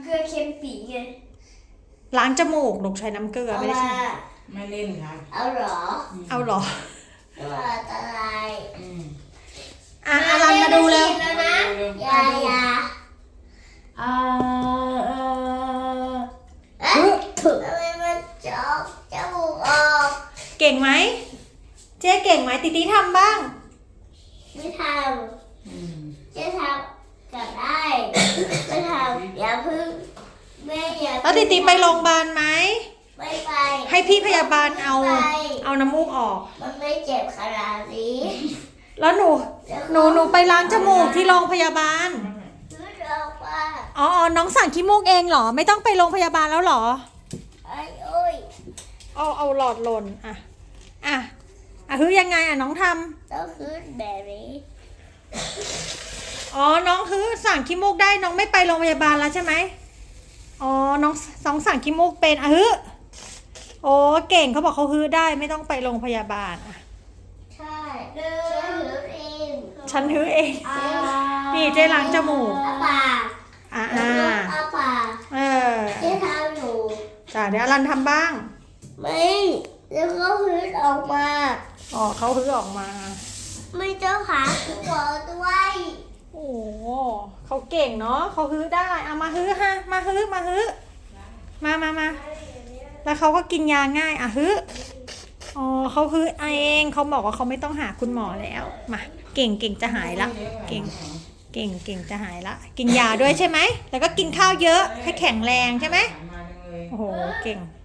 เกลือเค็มปีไงล้างจมูกลูกใช้น้ำเกลือไม่ได้ใช้ไม่เล่นค่ะเอาเหรอเอาเหรอว่าอะไรอลันมาดูเร็วอย่าทำไมมันจอกจมูกออกเก่งไหมเจ๊เก่งไหมติติทำบ้างไม่ทำเจ๊ทำก็ได้ไม่ทำอย่าพึ่งแม่อย่าแล้วติติไปโรงพยาบาลไหมไม่ไปให้พี่พยาบาลเอาน้ำมูกออกมันไม่เจ็บขนาดนี้แล้วหนูไปล้างจมูกที่โรงพยาบาลอ๋อน้องสั่งขี้มูกเองเหรอไม่ต้องไปโรงพยาบาลแล้วเหรอเอาหลอดหล่นคือยังไงน้องทำต้องคือแบบนี้น้องคือสั่งขี้มูกได้น้องไม่ไปโรงพยาบาลแล้วใช่ไหมน้องสั่งขี้มูกเป็นโอ้เก่งเขาบอกเขาฮื้อได้ไม่ต้องไปโรงพยาบาลใช่ฉันฮื้อเองนี่เจ๊ล้างจมูกปากปากเจ๊ทำอยู่จ้ะเดี๋ยวอลันทำบ้างไม่แล้วก็ฮื้อออกมาเขาฮื้อออกมาไม่เจ้าขาหัวด้วยโอ้เขาเก่งเนาะเขาฮื้อได้เอามาฮื้อฮะมาฮื้อมาแล้วเขาก็กินยาง่ายฮื้อเขาฮื้อเองเขาบอกว่าเขาไม่ต้องหาคุณหมอแล้วมาเก่งจะหายละเก่งจะหายละกินยาด้วยใช่ไหมแล้วก็กินข้าวเยอะให้แข็งแรงใช่ไหมโอ้โหเก่ง